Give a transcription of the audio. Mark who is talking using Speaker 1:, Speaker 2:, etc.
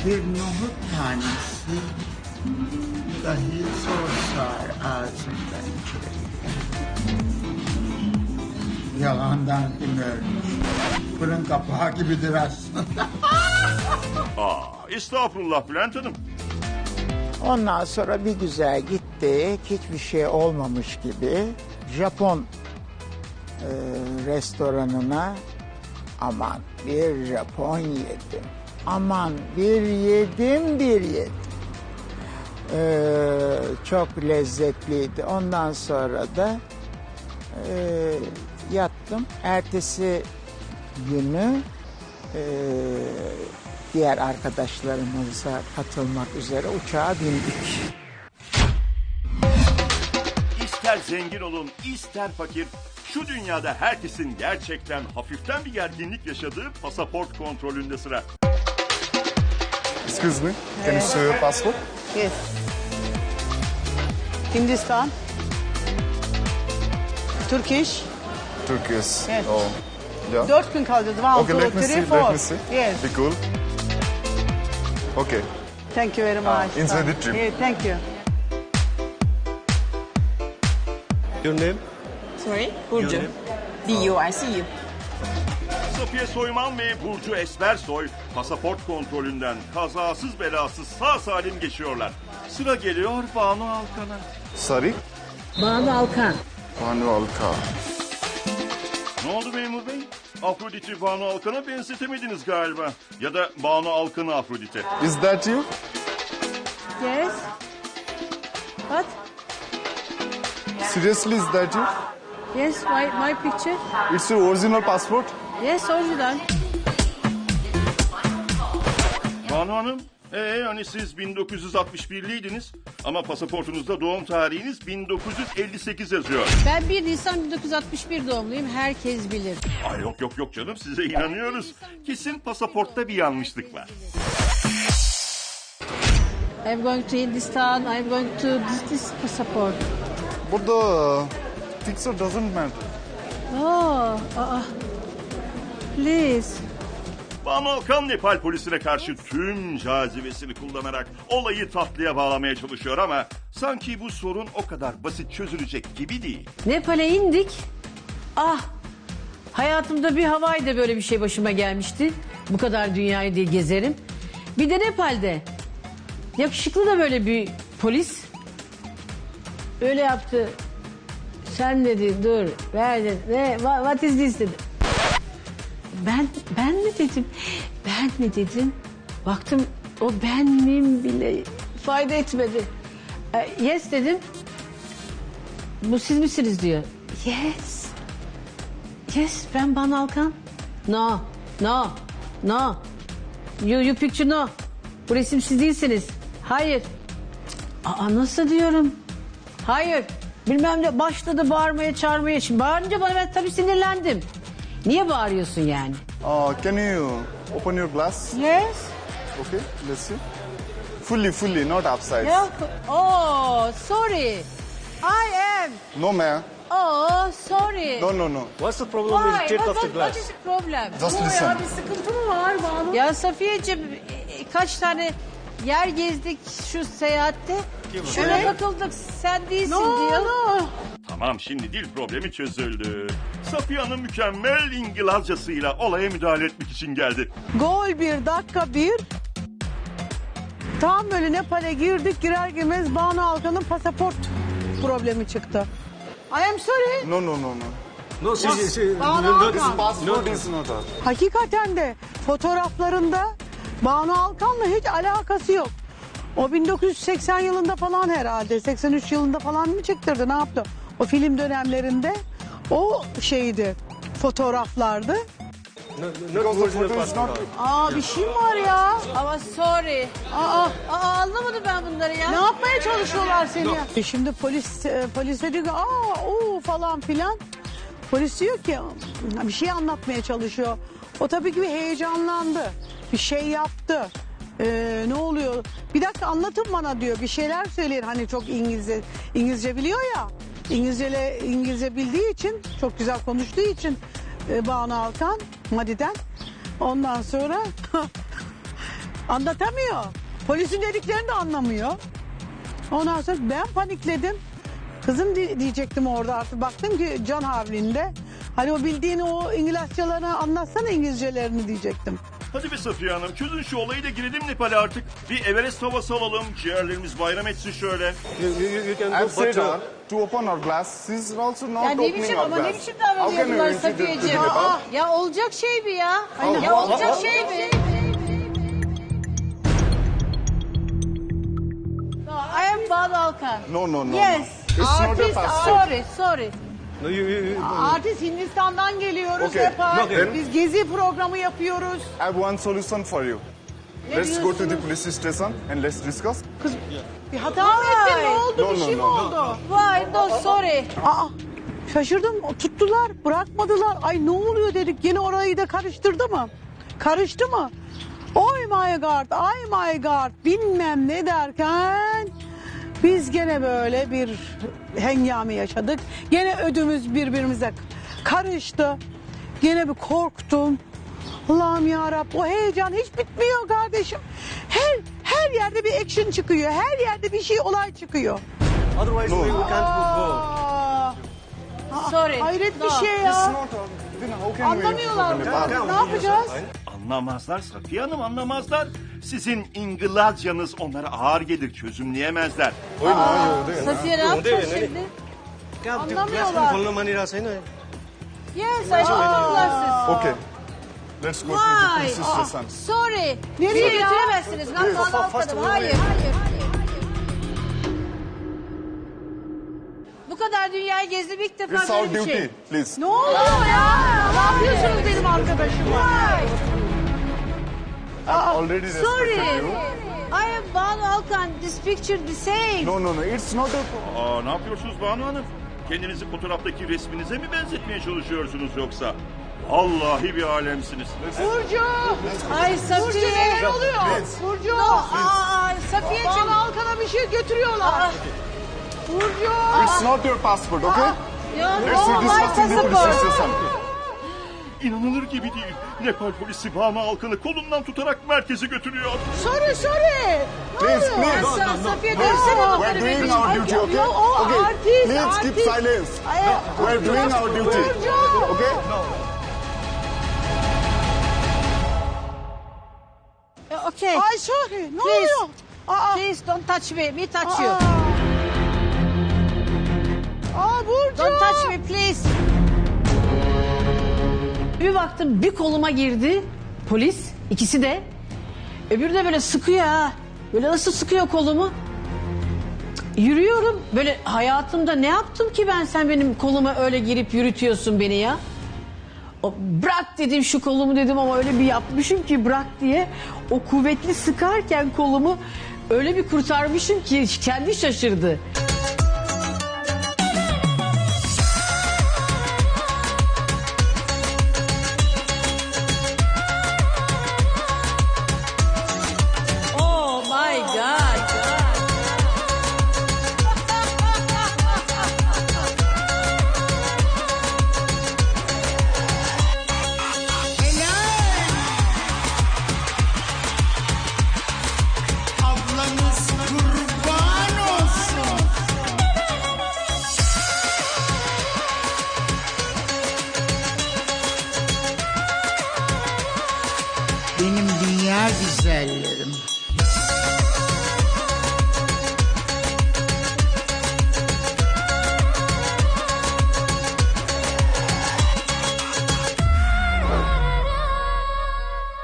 Speaker 1: Bir nohut tanesi dahi zor sığar ağzımdan içeri. Yalandan kim ölmüş? Fırın kapağı gibidir aslında.
Speaker 2: Estağfurullah Bülent Hanım.
Speaker 1: Ondan sonra bir güzel gittik. Hiçbir şey olmamış gibi. Japon restoranına aman bir Japon yedim. Aman bir yedim. Çok lezzetliydi. Ondan sonra da yattım. Ertesi günü diğer arkadaşlarımıza katılmak üzere uçağa bindik.
Speaker 2: İster zengin olun, ister fakir, şu dünyada herkesin gerçekten hafiften bir gerginlik yaşadığı pasaport kontrolünde sıra.
Speaker 3: Excuse me, can you show your passport?
Speaker 4: Yes. Hindistan. Turkish.
Speaker 3: Turkish.
Speaker 4: Yes.
Speaker 3: Oh, yeah.
Speaker 4: 4 gün kalacağız. One,
Speaker 3: Okay,
Speaker 4: two,
Speaker 3: let me
Speaker 4: three,
Speaker 3: see.
Speaker 4: four.
Speaker 3: Let me see.
Speaker 4: Yes.
Speaker 3: Be cool. Okay.
Speaker 4: Thank you very much.
Speaker 3: enjoy the trip.
Speaker 4: Yeah, thank you.
Speaker 5: Your name?
Speaker 6: Sorry? Burcu. B-U-R-C-U.
Speaker 2: Safiye Soyman ve Burcu Esmersoy pasaport kontrolünden kazasız belasız sağ salim geçiyorlar. Sıra geliyor Banu Alkan'a.
Speaker 3: Sorry?
Speaker 6: Banu Alkan.
Speaker 3: Banu Alka.
Speaker 2: Ne oldu memur bey? Afrodit'i Banu Alkan'a benzetemediniz galiba. Ya da Banu Alkan'ı Afrodit'e.
Speaker 3: Is that you?
Speaker 4: Yes. What?
Speaker 3: Seriously, is that you?
Speaker 4: Yes, my picture.
Speaker 3: It's your original passport?
Speaker 4: Yes, original.
Speaker 2: Banu Hanım, hani siz 1961'liydiniz ama pasaportunuzda doğum tarihiniz 1958 yazıyor.
Speaker 7: Ben 1 Nisan 1961 doğumluyum. Herkes bilir.
Speaker 2: Ay yok canım, size inanıyoruz. Kesin pasaportta bir yanlışlık var.
Speaker 7: I'm going to Hindistan. I'm going to this passport.
Speaker 3: Burada picture doesn't matter.
Speaker 7: Oh, please.
Speaker 2: Banu Alkan Nepal polisine karşı tüm cazibesini kullanarak olayı tatlıya bağlamaya çalışıyor ama sanki bu sorun o kadar basit çözülecek gibi değil.
Speaker 7: Nepal'e indik. Hayatımda bir Hawaii'de böyle bir şey başıma gelmişti. Bu kadar dünyayı diye gezerim. Bir de Nepal'de. Yakışıklı da böyle bir polis. Öyle yaptı. Sen dedi dur ver dedi. What is this dedi. Ben mi dedim? Ben mi dedim? Baktım o ben miyim bile fayda etmedi. Yes dedim. Bu siz misiniz diyor. Yes. Yes ben Banu Alkan. No. You picture no. Bu resim siz değilsiniz. Hayır. Nasıl diyorum? Hayır. Bilmem ne başladı bağırmaya çağırmaya. Şimdi bağırınca bana ben tabii sinirlendim. Niye bağırıyorsun yani?
Speaker 3: Can you open your glass?
Speaker 4: Yes.
Speaker 3: Okay, let's see. Fully, not upside.
Speaker 7: Yok. Oh, sorry. I am.
Speaker 3: No, ma'am.
Speaker 7: Oh, sorry.
Speaker 3: No.
Speaker 5: What's the problem with the teeth of the
Speaker 7: What
Speaker 5: glass?
Speaker 7: is the problem?
Speaker 3: Just listen.
Speaker 7: Bir sıkıntı mı var Banu? Ya Safiyeciğim kaç tane yer gezdik şu seyahatte. Şuna takıldık sen değilsin diyor.
Speaker 2: Tamam, şimdi dil problemi çözüldü. Safiye Hanım mükemmel İngilizcesiyle olaya müdahale etmek için geldi.
Speaker 4: Gol 1, dakika 1. Tam böyle Nepal'e girdik, girer girmez Banu Alkan'ın pasaport problemi çıktı. I am sorry.
Speaker 3: No.
Speaker 5: No, she
Speaker 4: Banu Alkan.
Speaker 3: Passport is not us.
Speaker 4: Hakikaten de fotoğraflarında Banu Alkan'la hiç alakası yok. O 1980 yılında falan herhalde, 83 yılında falan mı çektirdi, ne yaptı? O film dönemlerinde o şeydi, fotoğraflardı.
Speaker 5: not original passport.
Speaker 4: Bir şey mi var ya?
Speaker 7: Ama sorry. Anlamadım ben bunları ya.
Speaker 4: Ne yapmaya çalışıyorlar seni ya? Şimdi polise diyor ki falan filan. Polis diyor ki bir şey anlatmaya çalışıyor. O tabii ki bir heyecanlandı. Bir şey yaptı. Ne oluyor? Bir dakika anlatın bana diyor. Bir şeyler söyleyin. Hani çok İngilizce biliyor ya. İngilizce bildiği için, çok güzel konuştuğu için Banu Alkan, Madi'den. Ondan sonra Anlatamıyor. Polisin dediklerini de anlamıyor. Ondan sonra ben panikledim. Kızım diyecektim orada artık. Baktım ki can havlinde. Hani o bildiğini o İngilizcelerini anlatsana İngilizcelerini diyecektim.
Speaker 2: Hadi be Safiye Hanım çözün şu olayı da girelim Nepal'e artık. Bir Everest havası alalım. Ciğerlerimiz bayram etsin şöyle.
Speaker 5: You can
Speaker 3: I've
Speaker 5: go,
Speaker 3: said
Speaker 5: but
Speaker 3: her to open her glass. She's also not
Speaker 8: Ya ne
Speaker 3: opening
Speaker 8: biçim
Speaker 3: her
Speaker 8: ama
Speaker 3: glass.
Speaker 8: ne biçim
Speaker 3: How can you
Speaker 8: davranıyorlar
Speaker 3: introduce to
Speaker 8: Safiyeciğim?
Speaker 3: Nepal?
Speaker 8: Ya olacak şey mi ya?
Speaker 3: Aynen.
Speaker 8: Ya olacak şey mi? No, I am Banu Alkan.
Speaker 3: No.
Speaker 8: Yes.
Speaker 3: It's not a
Speaker 8: Artist,
Speaker 3: passport.
Speaker 8: sorry.
Speaker 5: no, you
Speaker 4: Artist Hindistan'dan geliyoruz
Speaker 3: Okay.
Speaker 4: Nepal.
Speaker 5: Okay.
Speaker 4: Biz gezi programı yapıyoruz.
Speaker 3: I have one solution for you. Let's go to the police station and let's discuss.
Speaker 4: Kız bir hata mı ettin? Ne oldu?
Speaker 3: No,
Speaker 4: Bir
Speaker 3: no,
Speaker 4: şey mi
Speaker 3: no.
Speaker 4: oldu?
Speaker 8: Why? No, sorry.
Speaker 4: Aa, şaşırdım. Tuttular, bırakmadılar. Ay ne oluyor dedik. Yine orayı da karıştırdı mı? Karıştı mı? Oh my god, oh my god. Bilmem ne derken biz gene böyle bir hengame yaşadık. Gene ödümüz birbirimize karıştı. Gene bir korktum. Allah'ım yarabbim o heyecan hiç bitmiyor kardeşim. Her yerde bir action çıkıyor. Her yerde bir şey olay çıkıyor.
Speaker 5: otherwise we can't go.
Speaker 4: Aa,
Speaker 8: Sorry.
Speaker 4: hayret
Speaker 8: No.
Speaker 4: bir şey
Speaker 3: It's
Speaker 4: ya.
Speaker 3: not. Then how can we
Speaker 4: Anlamıyorlar.
Speaker 3: enter Nepal?
Speaker 4: Ne yapacağız?
Speaker 2: Anlamazlar Safiye Hanım anlamazlar. Sizin İngilizcanız onlara ağır gelir çözümleyemezler.
Speaker 8: Safiye ne yapacağız
Speaker 5: ne-
Speaker 8: şimdi?
Speaker 4: Anlamıyorlar.
Speaker 5: खोल्न मानिरहेको छैन
Speaker 8: Yes, I should have glasses.
Speaker 3: Okay. Let's go to the
Speaker 8: Why?
Speaker 3: police station.
Speaker 8: Sorry.
Speaker 4: Nereye
Speaker 8: Beni
Speaker 4: ya?
Speaker 8: götüremezsiniz. Ben Banu Alkan'ım. Hayır. Bu kadar dünyayı gezdim ilk defa
Speaker 3: It's our
Speaker 8: böyle bir
Speaker 3: duty,
Speaker 8: şey.
Speaker 3: please.
Speaker 4: Ne oluyor ya? Ne yapıyorsunuz benim arkadaşıma?
Speaker 3: I've already
Speaker 8: Sorry.
Speaker 3: respected you.
Speaker 8: I am Banu Alkan. This picture the same.
Speaker 3: No. It's not a...
Speaker 2: Aa ne yapıyorsunuz Banu Hanım? Kendinizi fotoğraftaki resminize mi benzetmeye çalışıyorsunuz yoksa? Vallahi bir alemsiniz.
Speaker 4: Burcu!
Speaker 8: Ay
Speaker 4: Burcu
Speaker 8: Safiye.
Speaker 4: neler oluyor? Burcu!
Speaker 8: Safiyeciğim.
Speaker 4: Bana Alkan'a bir şey götürüyorlar. Burcu!
Speaker 3: It's not your passport, okay? Let's
Speaker 8: No, my
Speaker 3: discuss in the police
Speaker 8: passport.
Speaker 3: station.
Speaker 2: İnanılır gibi değil. Nepal polisi Banu Alkan'ı kolundan tutarak merkeze götürüyor.
Speaker 4: Sorry.
Speaker 3: Please, please.
Speaker 8: Safiye
Speaker 3: Please,
Speaker 8: dönsene
Speaker 3: we're
Speaker 8: bunları
Speaker 3: doing
Speaker 8: benim.
Speaker 3: our duty, okay?
Speaker 4: o
Speaker 3: Okay,
Speaker 4: artist,
Speaker 3: please keep
Speaker 4: artist.
Speaker 3: silence. We're doing our duty, okay?
Speaker 8: Okay.
Speaker 4: Ay sorry. Ne oluyor? Aa,
Speaker 8: Please don't touch me. Me touch you.
Speaker 4: Burcu!
Speaker 8: Don't touch me please.
Speaker 7: Bir baktım bir koluma girdi polis ikisi de. Öbürü de böyle sıkıyor ha. Böyle nasıl sıkıyor kolumu. Yürüyorum böyle hayatımda ne yaptım ki ben sen benim koluma öyle girip yürütüyorsun beni ya. O, bırak dedim şu kolumu dedim ama öyle bir yapmışım ki bırak diye. O kuvvetli sıkarken kolumu öyle bir kurtarmışım ki kendi şaşırdı.